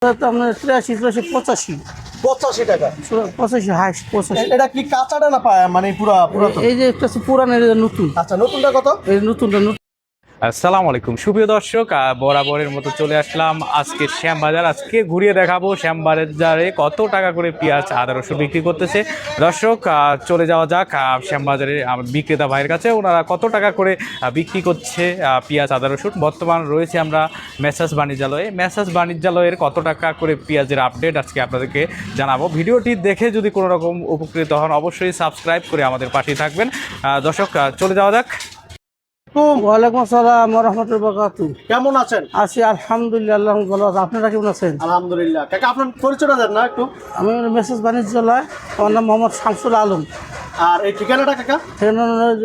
আপনার 83 85 টাকা 85 হাইস্ট 85। এটা কি কাঁচাটা না পায় মানে পুরা পুরা এই যে একটা পুরানো নতুন। আচ্ছা নতুনটা কত? এই নতুনটা নতুন। আসসালামু আলাইকুম সুপ্রিয় দর্শক, বরাবরের মতো চলে আসলাম আজকে শ্যামবাজার। আজকে ঘুরিয়ে দেখাবো শ্যামবাজারে কত টাকা করে পেঁয়াজ আদা রসুন বিক্রি করতেছে। দর্শক চলে যাওয়া যাক শ্যামবাজারে বিক্রেতা ভাইয়ের কাছে, ওনারা কত টাকা করে বিক্রি করছে পেঁয়াজ আদা রসুন। বর্তমান রয়েছে আমরা মেসার্স বাণিজ্যালয়ে। মেসার্স বাণিজ্যালয়ের কত টাকা করে পেঁয়াজের আপডেট আজকে আপনাদেরকে জানাবো। ভিডিওটি দেখে যদি কোনো রকম উপকৃত হন অবশ্যই সাবস্ক্রাইব করে আমাদের পাশে থাকবেন। দর্শক চলে যাওয়া যাক। ওয়ালাইকুম আসসালাম ওয়া রাহমাতুল্লাহি ওয়া বারাকাতুহু। কেমন আছেন? আছি আলহামদুলিল্লাহ, আল্লাহ ভালো আছে। আপনারা কেমন আছেন? আলহামদুলিল্লাহ। কাকা আপনার পরিচয়টা দেন না একটু। আমি মেসেজ বাণিজ্যালয়, আমার নাম মোহাম্মদ শামসুল আলম। আর এই ঠিকানাটা কাকা? সেখানে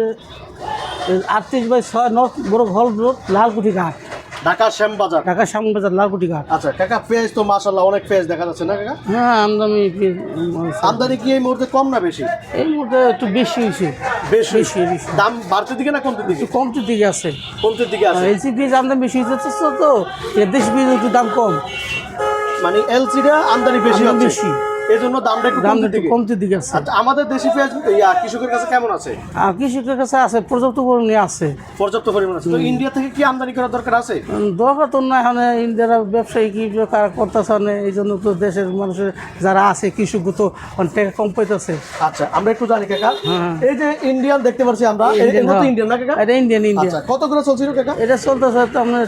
38/6 নর্থ বড় হল রোড, লালকুঠি ঘাট, ঢাকা শ্যামবাজার। ঢাকা শ্যামবাজার লালকুঠি ঘাট। আচ্ছা কাকা, পেঁয়াজ তো মাশাআল্লাহ অনেক পেঁয়াজ দেখা যাচ্ছে না কাকা? হ্যাঁ, আমদানি কি এই মুহূর্তে কম না বেশি? এই মুহূর্তে একটু বেশি হয়েছে। বেশি বেশি। দাম বাড়তে দিকে না কমতে দিকে? একটু কমতির দিকে আছে। কমতে দিকে আছে। এলসি পেঁয়াজ আমদানি বেশি হচ্ছে তো, দেশি পেঁয়াজ একটু দাম কম। মানে এলসিটা আমদানি বেশি হচ্ছে, বেশি, এই জন্য দামটা একটু দাম কমতে একটু দিকে। কমতির দিকে আছে। আচ্ছা আমাদের দেশি পেঁয়াজ কৃষকের কাছে কেমন আছে? আর কৃষকের কাছে আছে, পর্যাপ্ত পরিমাণে আছে। পর্যাপ্ত পরিমাণ আছে। তো ইন্ডিয়া থেকে কি আমদানি করার দরকার আছে? দরকার তো না, এখানে ইন্ডিয়ার ব্যবসায়ী কি করতেছে না, এই জন্য তো দেশের মানুষের যারা আছে কৃষক তো অনেক টাকা কম পাইতেছে। আচ্ছা আমরা একটু জানি কাকা, হ্যাঁ। এই যে ইন্ডিয়ান দেখতে পাচ্ছি আমরা, ইন্ডিয়ান না কাকা? এটা ইন্ডিয়ান। আচ্ছা কত করে চলছিল কাকা? এটা চলতেছে আপনার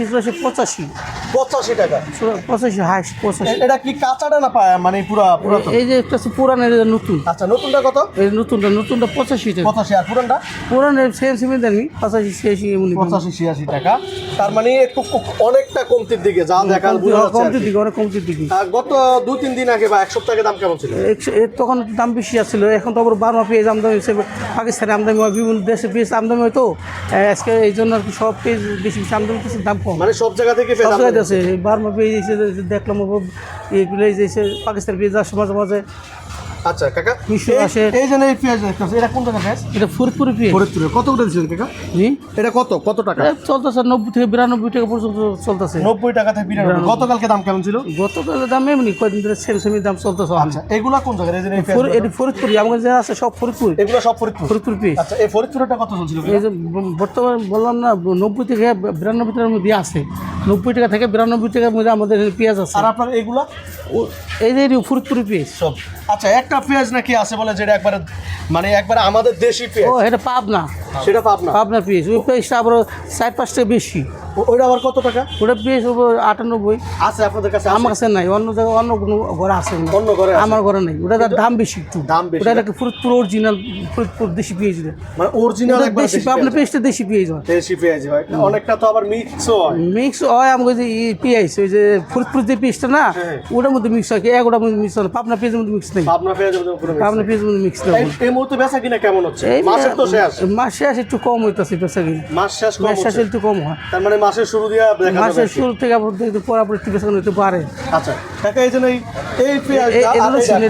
83 85 টাকা 85 হাইস্ট 85। এটা কি কাঁচাটা না পায় মানে পুরা পুরা? এই যে একটা পুরানো নতুন। আচ্ছা নতুনটা কত? এই নতুনটা 85 টাকা। 85। আর পুরানটা? পুরানো সেম সেমি দামি 85-86 এমনি। 85-86 টাকা। তার মানে একটু অনেকটা কমতির দিকে যা দেখাল বোঝা যাচ্ছে। কমতির দিকে, অনেক কমতির দিকে। গত 2-3 দিন আগে বা এক সপ্তাহ আগে দাম কেমন ছিল? তখন দাম বেশি আসছিল, এখন তো আবার বার্মা পেঁয়াজ আমদানি হচ্ছে, পাকিস্তানে আমদানি হয়, বিভিন্ন দেশে পেঁয়াজ আমদানি হয় তো আজকে এই জন্য আর কি সব পেঁয়াজ বেশি বেশি আমদানি করছে, দাম কম। মানে সব জায়গা থেকে সব জায়গায় আছে বার্মা পেঁয়াজ এসে দেখলাম, এগুলো এসে পাকিস্তান পেঁয়াজ আসে মাঝে মাঝে। আচ্ছা কাকা, মিশর আসে। এই যে এই পেঁয়াজ দেখতেছি, এটা কোন জায়গা পেঁয়াজ? এটা ফরিদপুরি পেঁয়াজ। ফরিদপুরে কত করে দিচ্ছেন কাকা? জি, এটা কত টাকা? চলতেছে 90 থেকে 92 টাকা পর্যন্ত চলতেছে। 90 টাকা থেকে 92। গতকালকে দাম কেমন ছিল? গতকালের দাম এমনি কয়েকদিন ধরে সেম সেমি দাম চলতেছে। আচ্ছা এগুলা কোন জায়গায়? এই যে এই পেঁয়াজ এটি ফরিদপুরি, আমাদের যা আছে সব ফরিদপুরি। এগুলো সব ফরিদপুর? ফরিদপুর পেঁয়াজ। আচ্ছা এই ফরিদপুরটা কত চলছিল? এই যে বর্তমানে বললাম না 90 থেকে 92 টাকার মধ্যে আছে, 90 টাকা থেকে 92 টাকার মধ্যে আমাদের পেঁয়াজ আছে। আর আপনার এগুলা? এই যে ফরিদপুরি পেঁয়াজ সব। আচ্ছা একটা পেঁয়াজ নাকি আছে বলে যেটা একবারে মানে একবারে আমাদের দেশি পেঁয়াজ? ও এটা পাবনা, সেটা পাবনা? পাবনা পেঁয়াজ। ওই পেঁয়াজটা আবার 4-5 টাকা বেশি। ওইটা আবার কত টাকা? ওটা পেঁয়াজ 98 আছে আপনাদের কাছে? আমার কাছে নাই, অন্য জায়গায় অন্য কোনো ঘরে আছে না। অন্য ঘরে আছে? আমার ঘরে নাই। ওটা দাম বেশি একটু। দাম বেশি? ওটা একটা ফরিদপুর অরিজিনাল, ফরিদপুর দেশি পেঁয়াজ। মানে অরিজিনাল একবার দেশি পাবনা পেঁয়াজটা দেশি পেঁয়াজ হয়। দেশি পেঁয়াজ হয়, অনেকটা তো আবার মিক্সও হয়। মিক্স হয় আমাকে যে পেঁয়াজ, ওই যে ফরিদপুর যে পেঁয়াজটা না, ওটার মধ্যে মিক্স হয়, ওটার মধ্যে মিক্স হয়। পাবনা পেঁয়াজের মধ্যে মিক্স নেই। পাবনা পেঁয়াজের মধ্যে কোনো mix পাবনা নেই। পেঁয়াজের মধ্যে মিক্স নেই। এই মুহূর্তে বেচা কিনা কেমন হচ্ছে? এই মাসের তো শেষ। মাস শেষ একটু কম হইতেছে বেচা কিনা। মাস শেষ কম মাস শেষ হচ্ছে। একটু কম হয়। তার মানে মাসের শুরু দিয়ে দেখা যাবে। মাসের শুরু থেকে আবার একটু পরাপর একটু বেচা কিনা হতে পারে। আচ্ছা কাকা, এই জন্য এই পেঁয়াজ এটা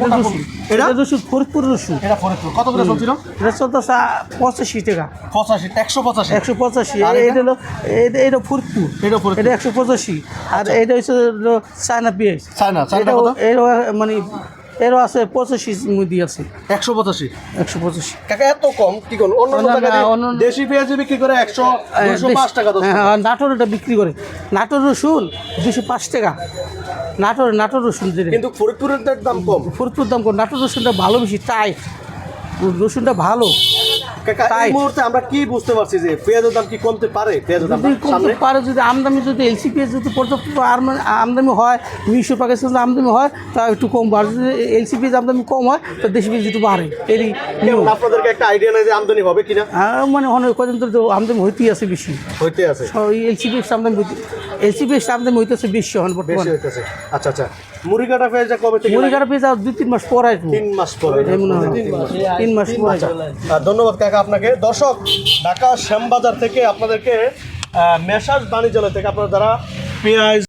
রসুন ফরিদপুর রসুন। এটা ফরিদপুর কত করে চলছিল? এটা চলতেছে 85 টাকা। 85 185। 185। এটা হলো এটা ফরিদপুর, এটা ফরিদপুর। এটা 185। আর এটা হচ্ছে চায়না পেঁয়াজ। চায়না কত? এরও মানে এরও আছে 85 মধ্যে আছে। 185। 185 কাকা এত কম কি কোন? অন্য জায়গায় দেশি পেঁয়াজ বিক্রি করে 100 205 টাকা 10 টাকা। হ্যাঁ, নাটোরটা বিক্রি করে। নাটোর রসুন 205 টাকা। নাটোর রসুন যেটা, কিন্তু ফরিদপুরের দাম কম। ফরিদপুর দাম কম। নাটোর রসুনটা ভালো, বেশি টাইট রসুনটা ভালো। কাকা এই মুহূর্তে আমরা কি বুঝতে পারছি যে পেঁয়াজের দাম কি কমতে পারে? পেঁয়াজের দাম যদি কমতে সামনে পারে, যদি আমদানি, যদি এলসি পেঁয়াজ যদি পর্যাপ্ত আমদানি হয়, মিশর পাকিস্তান আমদানি হয়, তা একটু কম বাড়ে। যদি এলসি পেঁয়াজ আমদানি কম হয় তো দেশি পেঁয়াজ একটু বাড়ে। এরই কেমন আপনাদেরকে একটা আইডিয়া নেই যে আমদানি হবে কিনা? মানে অনেক কদিন ধরে আমদানি হইতেই আছে বেশি, হইতে আছে। এলসি পেঁয়াজ আমদানি হইতেছে বেশি এখন বেশি বর্তমানে। হইতেছে। আচ্ছা আচ্ছা, মুড়ি কাটা পেঁয়াজটা কবে থেকে? মুড়ি কাটা পেঁয়াজ আর 2-3 মাস পর আসবো। 3 মাস পরে। 3 মাস পর। ধন্যবাদ কাকা আপনাকে। দর্শক, ঢাকা শ্যামবাজার থেকে আপনাদেরকে মেসার্স বাণিজ্যালয় থেকে আপনারা যারা পেঁয়াজ